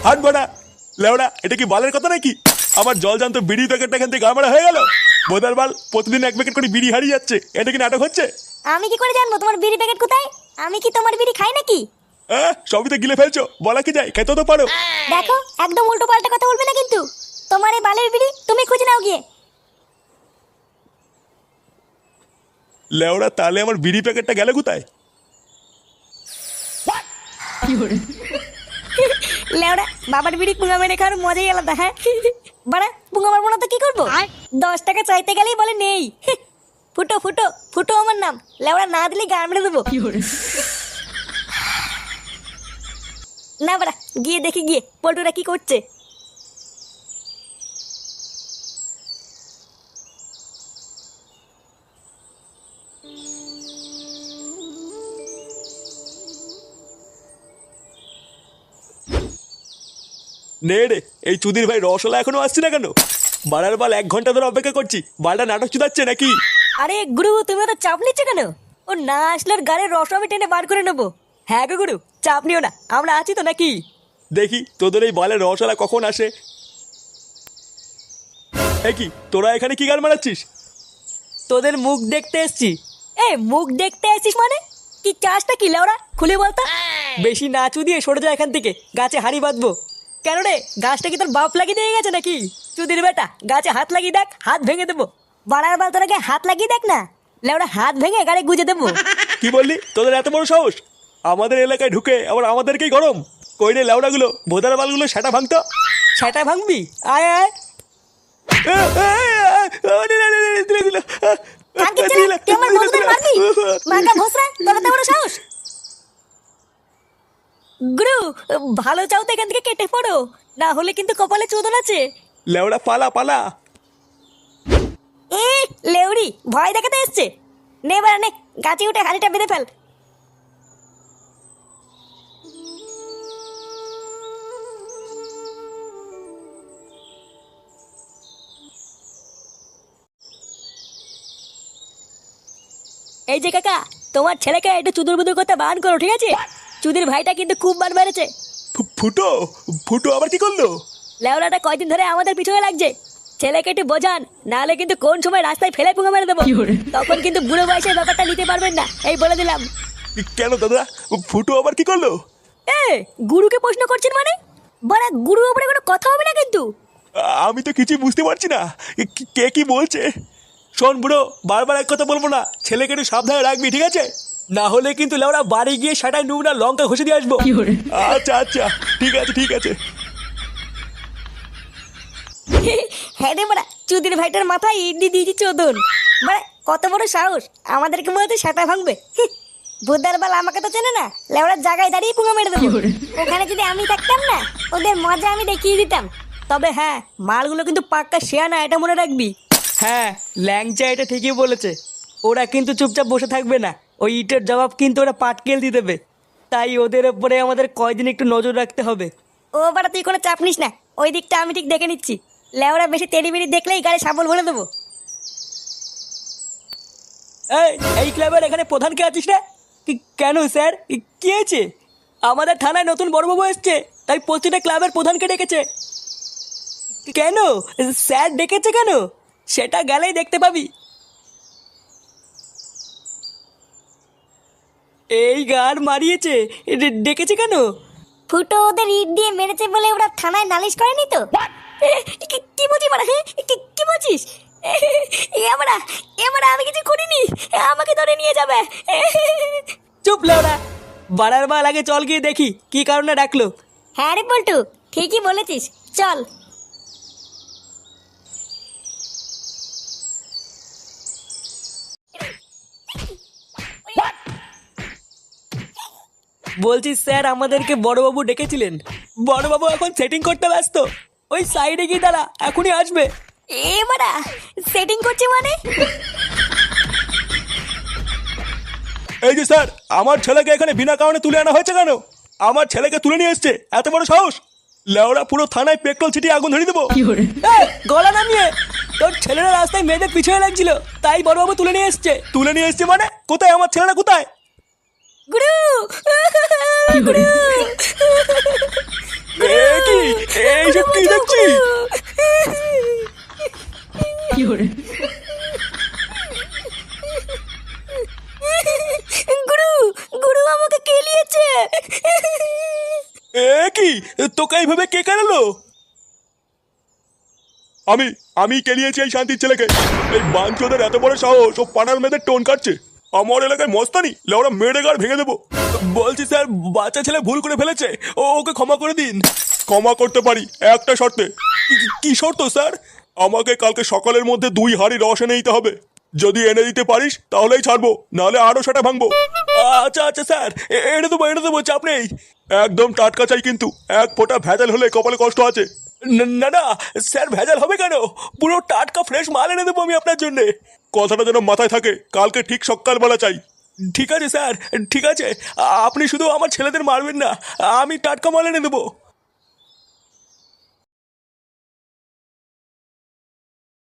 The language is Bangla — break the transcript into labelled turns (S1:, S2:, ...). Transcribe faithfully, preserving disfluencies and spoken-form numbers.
S1: হাট বাড়া লেওড়া, এটা কি বালের কথা নাকি? আমার জল জানতো বিড়ি প্যাকেটটা এখান থেকে গাড়মারা হয়ে গেল। বোধার বাল প্রতিদিন এক প্যাকেট করে বিড়ি হারিয়ে যাচ্ছে, এটা কি নাটক হচ্ছে?
S2: আমি কি করে জানবো তোমার বিড়ি প্যাকেট কোথায়? আমি কি তোমার বিড়ি খাই নাকি?
S1: হ্যাঁ, সবই তো গিলে ফেলছো, বলা কি যায়, খেতে তো পারো।
S2: দেখো একদম উল্টো পাল্টা কথা বলবে না কিন্তু। তোমার এই বালের বিড়ি তুমি খুঁজে নাও গিয়ে।
S1: লেওড়া, তাহলে আমার বিড়ি প্যাকেটটা গেল কোথায়?
S2: লেওড়া, বাবার বিড়ি পুঙ্গা মেরে খাওয়ার মজাই আলাদা। হ্যাঁ বাড়া, পুঙ্গা মারবো না তো কি করবো? দশ টাকা চাইতে গেলেই বলে নেই। ফুটো ফুটো ফুটো আমার নাম। লেওড়া, না দিলে গান মেরে দেবো। না বাড়া, গিয়ে দেখি গিয়ে পল্টুরা কি করছে।
S1: নে রে, এই চুদির ভাই রসলা এখনো আসছে না কেন? বাড়ার বাল এক ঘন্টা ধরে অপেক্ষা করছি, বালটা নাটক চুদাচ্ছে নাকি?
S2: আরে গুরু, তুমি তো চাপ নিচ্ছ কেন? ও না আসলে ওর গাড়ির রস আমি টেনে বার করে নেবো। হ্যাঁ গো গুরু, চাপ নিও না, আমরা আছি তো নাকি?
S1: দেখি তোদের এই বালের রসলা কখন আসে। এ কি, তোরা এখানে কি গান মারাচ্ছিস?
S3: তোদের মুখ দেখতে এসছি।
S2: এ মুখ দেখতে আসিস মানে? কি চাষটা কি লেওড়া, খুলে বলতো।
S3: বেশি নাচু দিয়ে সরে যা এখান থেকে, গাছে হাড়ি বাঁধবো।
S2: কেন রে, গাছটা কি তোর বাপ লাগিয়ে দিয়ে গেছে নাকি? চুদির বেটা, গাছে হাত লাগিয়ে দেখ, হাত ভেঙে দেবো। বাড়ার বাল তোরা হাত লাগিয়ে দেখ না, লেওড়া হাত ভেঙে গাড়ি গুজে দেবো।
S1: কি বললি? তোদের এত বড় সাহস আমাদের এলাকায় ঢুকে আবার আমাদেরকেই গরম? কই রে লেওড়াগুলো, ভোদার বালগুলো সেটা ভাঙতো।
S3: সেটা ভাঙবি? আয় আয়।
S2: কানকির ছেলে, তুই আমার বন্ধুদের মারবি? মাকা ভোসরা, তোর এত বড় সাহস? গুরু, ভালো চাও তো এখান থেকে কেটে পড়ো, না হলে কিন্তু কপালে চোদন আছে।
S1: লেওড়া পালা পালা।
S2: এ লেউড়ি, ভয় দেখাতে এসছে। নে বাড়া নে, গাছে উঠে হাড়িটা বেঁধে ফেল। এই যে কাকা, তোমার ছেলেকে একটু চুদুর বুদুর করতে বান করো, ঠিক আছে? চুদির ভাইটা কিন্তু খুব বার বেড়েছে।
S1: ফু- ফুটো ফুটো আবার কি করলো?
S2: লেওড়াটা কয়দিন ধরে আমাদের পিছনে লাগছে। ছেলেকে একটু বোঝান, নাহলে কিন্তু কোন সময় রাস্তায় ফেলে পুঙ্গা মেরে দেবো। তখন কিন্তু বুড়ো বয়সের ব্যাপারটা নিতে পারবেন না, এই বলে দিলাম।
S1: কেন দাদা, ফুটো আবার কি করলো?
S2: এ গুরুকে প্রশ্ন করছেন মানে? বড়া, গুরুর উপরে কোনো কথা হবে না কিন্তু।
S1: আমি তো কিছুই বুঝতে পারছি না, কি- কে কি বলছে। শোন বুড়ো, বারবার এক কথা বলবো না, ছেলেকে একটু সাবধানে রাখবি, ঠিক আছে?
S3: না হলে কিন্তু লেওড়া বাড়ি গিয়ে সেটাই নুন আর লঙ্কা ঘষে দিয়ে আসবো।
S1: আচ্ছা আচ্ছা, ঠিক আছে ঠিক আছে।
S2: হ্যাঁ রে বড়া, চুদির ভাইটার মাথায় ইডলি দিয়েছি চোদন। বড়া, কত বড় সাহস, আমাদেরকে মনে হচ্ছে সেটা ভাঙবে। বুধার বাল আমাকে তো চেনে না, লেওড়ার জায়গায় দাঁড়িয়ে পুঙ্গা মেরে দেবো। ওখানে যদি আমি থাকতাম না, ওদের মজা আমি দেখিয়ে দিতাম। তবে হ্যাঁ, মালগুলো কিন্তু পাক্কা শেয়া না, এটা মনে রাখবি।
S3: হ্যাঁ, ল্যাংচা এটা ঠিকই বলেছে। ওরা কিন্তু চুপচাপ বসে থাকবে না, ওই ইটের জবাব কিন্তু ওরা পাটকেল দিয়ে দেবে। তাই ওদের ওপরে আমাদের কয়দিন একটু নজর রাখতে হবে।
S2: ও বাড়া, তুই কোনো চাপ নিস না, ওই দিকটা আমি ঠিক দেখে নিচ্ছি। লেওড়া বেশি তেড়ি বেড়ি দেখলেই গাড়ি সাবল ভরে দেবো।
S3: এই এই ক্লাবের এখানে প্রধান কে আছিস রে? কি- কেন স্যার, কি- কি হয়েছে? আমাদের থানায় নতুন বড়বাবু এসছে, তাই প্রতিটা ক্লাবের প্রধানকে ডেকেছে। কেন স্যার ডেকেছে কেন? সেটা গেলেই দেখতে পাবি। এই গান মারিয়েছে, ডে- ডেকেছে কেন?
S2: ফুটো ওদের ইট দিয়ে মেরেছে বলে ওরা থানায় নালিশ করেনি তো? এ, কি- কি বলছিস মারা? হ্যাঁ, কি কি বলছিস? এবারা এবারা আমি কিছু করিনি, আমাকে ধরে নিয়ে যাবে।
S3: চুপ লেওড়া, বাড়ার বাল আগে চল গিয়ে দেখি কি কারণে ডাকলো।
S2: হ্যাঁ রে পল্টু, ঠিকই বলেছিস, চল।
S3: বলছি স্যার, আমাদেরকে বড়বাবু ডেকেছিলেন। বড়বাবু এখন সেটিং করতে ব্যস্ত, ওই সাইডে গিয়ে দাঁড়া, এখনই আসবে।
S2: এবারা সেটিং করছে মানে?
S1: এই যে স্যার, আমার ছেলেকে এখানে বিনা কারণে তুলে আনা হয়েছে কেন? আমার ছেলেকে তুলে নিয়ে এসছে, এত বড় সাহস! লেওড়া, পুরো থানায় পেট্রোল ছিটিয়ে আগুন ধরিয়ে দেবো।
S3: এই, গলা নামিয়ে। তোর ছেলেরা রাস্তায় মেয়েদের পিছনে লাগছিল, তাই বড়বাবু তুলে নিয়ে এসছে।
S1: তুলে নিয়ে এসছে মানে? কোথায় আমার ছেলেরা, কোথায়?
S2: গুরু, গুরু।
S1: এ কি, এ কি, তোকে এইভাবে কে কেনালো? আমি আমি কেলিয়েছি এই শান্তির ছেলেকে। এই বাঞ্চোদের এত বড় সাহস, ও পাড়ার মেয়েদের টোন কাটছে। আমার এলাকায় মস্তানি, লেওরা মেরে গাড় ভেঙে দেবো। বলছি স্যার, বাচ্চা ছেলে ভুল করে ফেলেছে, ও ওকে ক্ষমা করে দিন। ক্ষমা করতে পারি একটা শর্তে। কি- কি শর্ত স্যার? আমাকে কালকে সকালের মধ্যে দুই হাঁড়ি রস এনে দিতে হবে। যদি এনে দিতে পারিস তাহলেই ছাড়বো, নাহলে আরো সেটা ভাঙবো। আচ্ছা আচ্ছা স্যার, এ- এনে দেবো এনে দেবো, চাপ নেই। একদম টাটকা চাই কিন্তু, এক ফোঁটা ভেজাল হলে কপালে কষ্ট আছে। ন- না না স্যার, ভেজাল হবে কেন? পুরো টাটকা ফ্রেশ মাল এনে দেবো আমি আপনার জন্য। কথাটা যেন মাথায় থাকে, কালকে ঠিক সকালবেলা চাই। ঠিক আছে স্যার, ঠিক আছে। আ- আপনি শুধু আমার ছেলেদের মারবেন না, আমি টাটকা মাল এনে দেবো।